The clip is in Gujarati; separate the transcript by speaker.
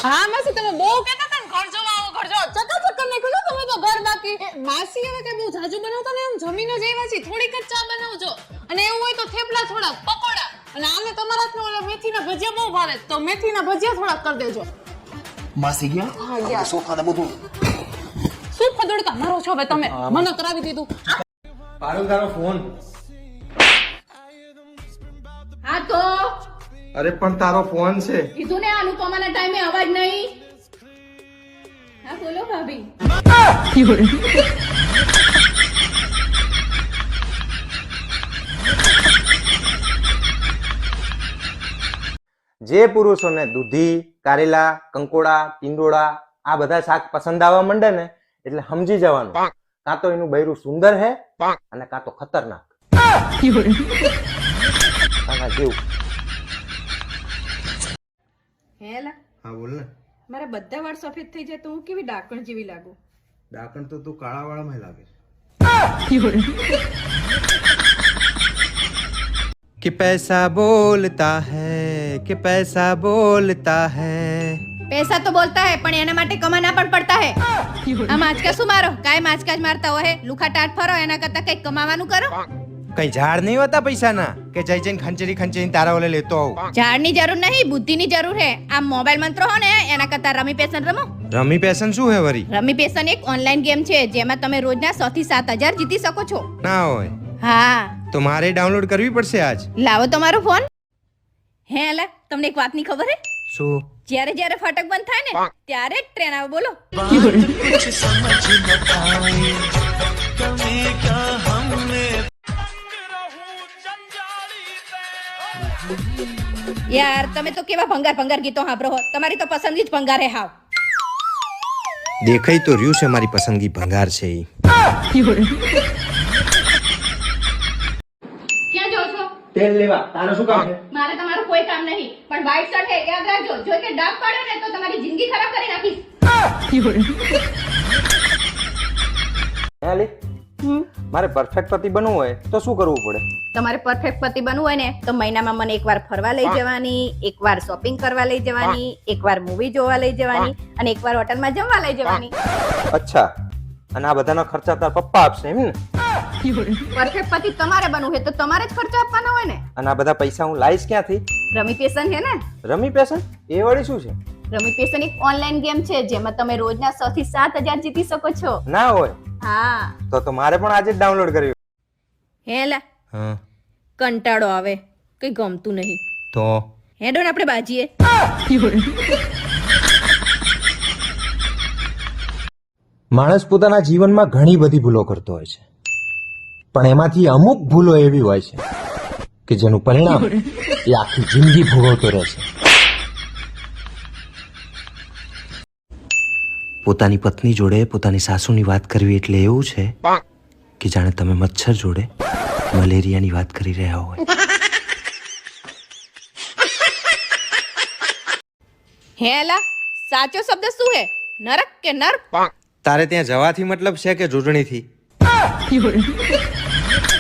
Speaker 1: હા માસી તમે બહુ કહેતા હતા ને ઘર જોવા આવો ઘર જોવા ચકાચક કરી નાખ્યું તમે તો ઘર બાકી માસી હવે કઈ બહુ જાજુ બનાવતા ને એમ જમીને જ આવ્યા છે થોડીક જ ચા બનાવજો અને એવું હોય તો થેપલા થોડા પકોડા અને આમે તમારા હાથનો ઓલા મેથીના ભજીયા બહુ ભાવે તો મેથીના ભજીયા થોડા કરી દેજો
Speaker 2: માસી ગયા
Speaker 1: હા ગયા
Speaker 2: સોફા ને બધું
Speaker 1: શું ફદડકા મારો છો હવે તમે મને કરાવી દીધું
Speaker 3: પારુલ તારો ફોન
Speaker 4: હા તો
Speaker 3: અરે પણ તારો ફોન છે
Speaker 4: કીધું ને અનુપમાના ટાઈમે અવાજ નહીં હા બોલો ભાભી
Speaker 3: જે પુરુષોને દૂધી કારેલા કંકોડા ટીંડોળા આ બધા શાક પસંદ આવવા માંડે ને એટલે સમજી જવાનું કાં તો એનું બૈરું સુંદર હે અને કાં તો ખતરનાક આના જેવું.
Speaker 4: હેલા
Speaker 3: હા બોલ ને.
Speaker 4: મારા બધા વાળ સફેદ થઈ જાય તો હું કેવી ડાકણ જેવી લાગુ
Speaker 3: ડાકણ તો તું કાળા વાળામાં લાગે कि पैसा बोलता है कि पैसा बोलता है
Speaker 4: પૈસા તો બોલતા હે પણ એના માટે કમાના પણ પડતા હે આ માચકા શું મારો કાય માચકા જ મારતા હોય લુખા ટાટ ફરો એના કરતા કઈ કમાવાનું કરો
Speaker 3: કઈ ઝાડ નહીં હોતા પૈસાના કે જઈ જઈને ખંચેરી તારા ઓલે લેતો આવું.
Speaker 4: ઝાડની જરૂર નહીં બુદ્ધિની જરૂર હે આ મોબાઈલ મંત્રો હો ને એના કરતા રમી પેશન રમો.
Speaker 3: રમી પેશન શું હે વરી?
Speaker 4: રમી પેશન એક ઓનલાઈન ગેમ છે જેમાં તમે રોજના 100 થી 7000 જીતી શકો છો.
Speaker 3: ના હોય
Speaker 4: હા
Speaker 3: તો મારે ડાઉનલોડ કરવી પડશે આજ.
Speaker 4: લાવો તમારો ફોન. હે અલા તમને એક વાતની ખબર હે?
Speaker 3: શું?
Speaker 4: જ્યારે જ્યારે ફાટક બંધ થાય ને ત્યારે જ ટ્રેન આવે બોલો. યાર તમે તો કેવા ભંગાર ભંગાર ગીતો સાંભળો હો તમારી તો પસંદગી જ ભંગાર હે હાવ.
Speaker 3: દેખાઈ તો રહ્યું છે મારી પસંદગી ભંગાર છે ઈ.
Speaker 4: ક્યાં જાવ છો?
Speaker 3: તેલ લેવા. તારે શું કામ છે?
Speaker 4: મારે તમારું કોઈ કામ નહીં પણ વ્હાઈટ શર્ટ હે યાદ રાખજો જો કે ડાઘ પાડે ને તો તમારી જિંદગી ખરાબ કરી નાખીશ.
Speaker 3: લે મારે પરફેક્ટ પતિ બનવું હોય તો શું કરવું પડે?
Speaker 4: તમારે પરફેક્ટ પતિ બનવું હોય ને તો મહિનામાં મને એકવાર ફરવા લઈ જવાની, એકવાર શોપિંગ કરવા લઈ જવાની, એકવાર મૂવી જોવા લઈ જવાની અને એકવાર હોટલમાં જમવા લઈ જવાની.
Speaker 3: અચ્છા અને આ બધાનો ખર્ચા તાર પપ્પા આપશે એમ ને?
Speaker 4: પરફેક્ટ પતિ તમારે બનવું હોય તો તમારે જ ખર્ચો આપવાનો હોય ને.
Speaker 3: અને આ બધા પૈસા હું લાઈશ ક્યાંથી?
Speaker 4: રમી પેશન છે ને.
Speaker 3: રમી પેશન એ વળી શું છે?
Speaker 4: રમી પેશન એક ઓનલાઈન ગેમ છે જેમાં તમે રોજના 100 થી 7000 જીતી શકો છો.
Speaker 3: ના હોય
Speaker 4: હા
Speaker 3: તો મારે પણ આજે જ ડાઉનલોડ કરવી.
Speaker 4: હેલા
Speaker 3: હા
Speaker 4: કંટાળો આવે કઈ ગમતું નહીં
Speaker 3: તો
Speaker 4: હેડો ને આપણે બાજીએ.
Speaker 5: માણસ પોતાના જીવનમાં ઘણી બધી ભૂલો કરતો હોય છે પણ એમાંથી અમુક ભૂલો એવી હોય છે કે જેનું પરિણામ એ આખી જિંદગી ભોગવતો રહે છે. પોતાની પત્ની જોડે પોતાની સાસુની વાત કરવી એટલે એવું છે કે જાણે તમે મચ્છર જોડે મલેરિયાની વાત કરી રહ્યા હોય.
Speaker 4: હેલા સાચો શબ્દ શું હે નરક કે નર?
Speaker 3: તારે ત્યાં જવાથી મતલબ છે કે જોડણીથી?